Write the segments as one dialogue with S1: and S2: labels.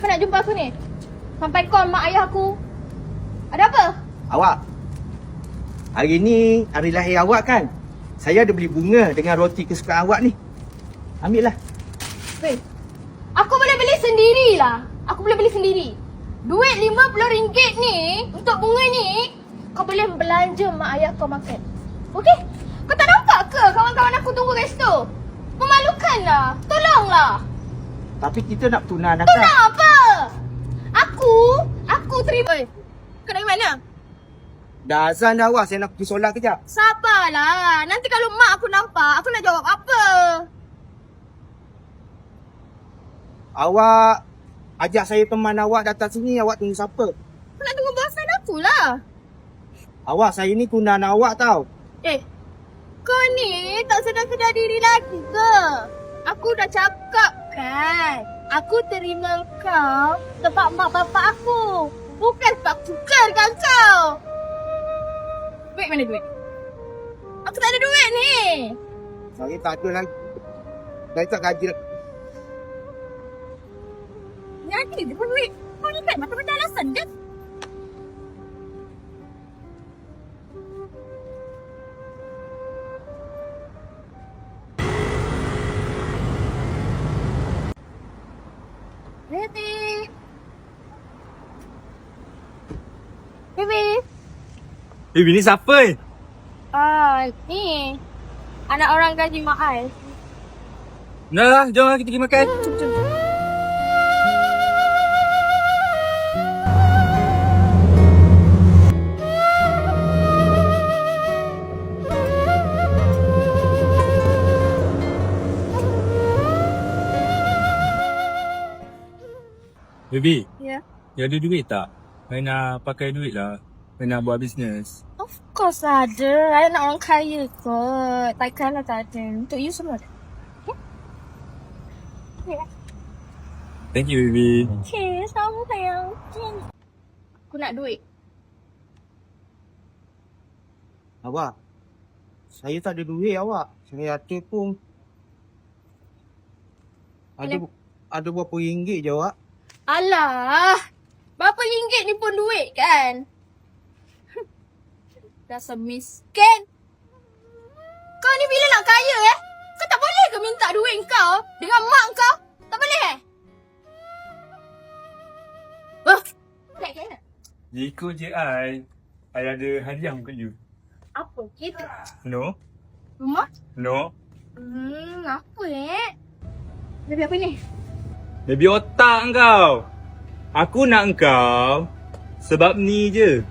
S1: Kau nak jumpa aku ni? Sampai call mak ayah aku. Ada apa?
S2: Awak, hari ni hari lahir awak kan? Saya ada beli bunga dengan roti kesukaan awak ni. Ambil lah.
S1: Weh, aku boleh beli sendirilah. Aku boleh beli sendiri. Duit RM50 ni untuk bunga ni, kau boleh belanja mak ayah kau makan. Okey? Kau tak nampak ke kawan-kawan aku tunggu kat situ? Memalukanlah. Tolonglah.
S2: Tapi kita nak tunang
S1: Tu nak apa? Aku terima. Oi, kau dari mana?
S2: Dah azan dah awak, saya nak pergi solat kejap.
S1: Sabarlah. Nanti kalau mak aku nampak, aku nak jawab apa?
S2: Awak ajak saya teman awak datang sini, awak tunggu siapa?
S1: Aku nak tunggu bosan aku lah.
S2: Awak, saya ni tunang awak tau.
S1: Kau ni tak sedar-sedar diri lagi ke? Aku dah cakap kan. Aku terima kau sebab mak bapak aku. Bukan sebab aku sukakan kau. Duit mana duit? Aku tak ada duit ni.
S2: Saya tak ada lagi. Saya tak gaji lagi.
S1: Nyati je pun duit. Kau ni kan mata-mata alasan je. Baby.
S3: Baby ni siapa?
S1: Ni. Anak orang gaji mak ai.
S3: Dah lah, jom lah kita pergi makan.
S1: Jom.
S3: Baby,
S1: Ya.
S3: you ada duit tak? Saya nak pakai duit lah. Saya nak buat bisnes.
S1: Of course ada. I nak orang kaya kot. Takkanlah tak ada. Untuk you semua ada. Okay?
S3: Thank you, baby.
S1: Okay, sama sayang. Okay. Aku nak duit.
S2: Awak, saya tak ada duit awak. Saya ada pun. Ada berapa ringgit je awak?
S1: Alah. Berapa ringgit ni pun duit kan? Dasar miskin. Kau ni bila nak kaya Kau tak boleh ke minta duit kau dengan mak kau? Tak boleh Tak kena.
S3: Ikut je I ada hadiah untuk you.
S1: Apa gitu?
S3: No?
S1: Rumah?
S3: No?
S1: Apa Baby apa ni?
S3: Baby otak kau. Aku nak kau sebab ni je.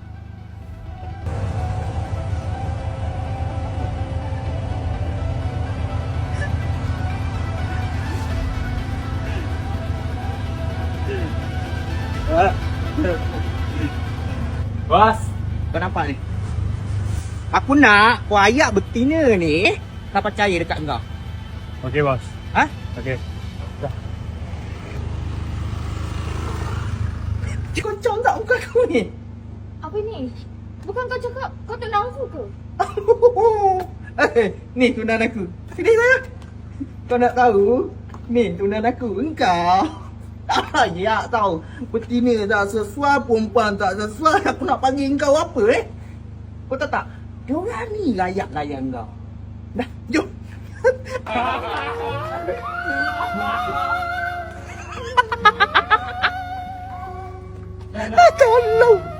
S3: Bos,
S2: Kau nampak ni? Aku nak kau ayak betina ni tak percaya dekat kau.
S3: okey bos.
S2: Ha?
S3: Okey.
S2: Kocok tak muka aku ni?
S1: Apa ni? Bukan kau cakap kau tak nafsu ke?
S2: Ni tunang aku. Sini saya. Kau nak tahu? Ni tunang aku. Engkau tak layak tau. Betina tak sesuai, perempuan tak sesuai. Aku nak panggil engkau apa Kau tahu tak? Diorang ni layak-layak engkau. Dah, jom. Tolong.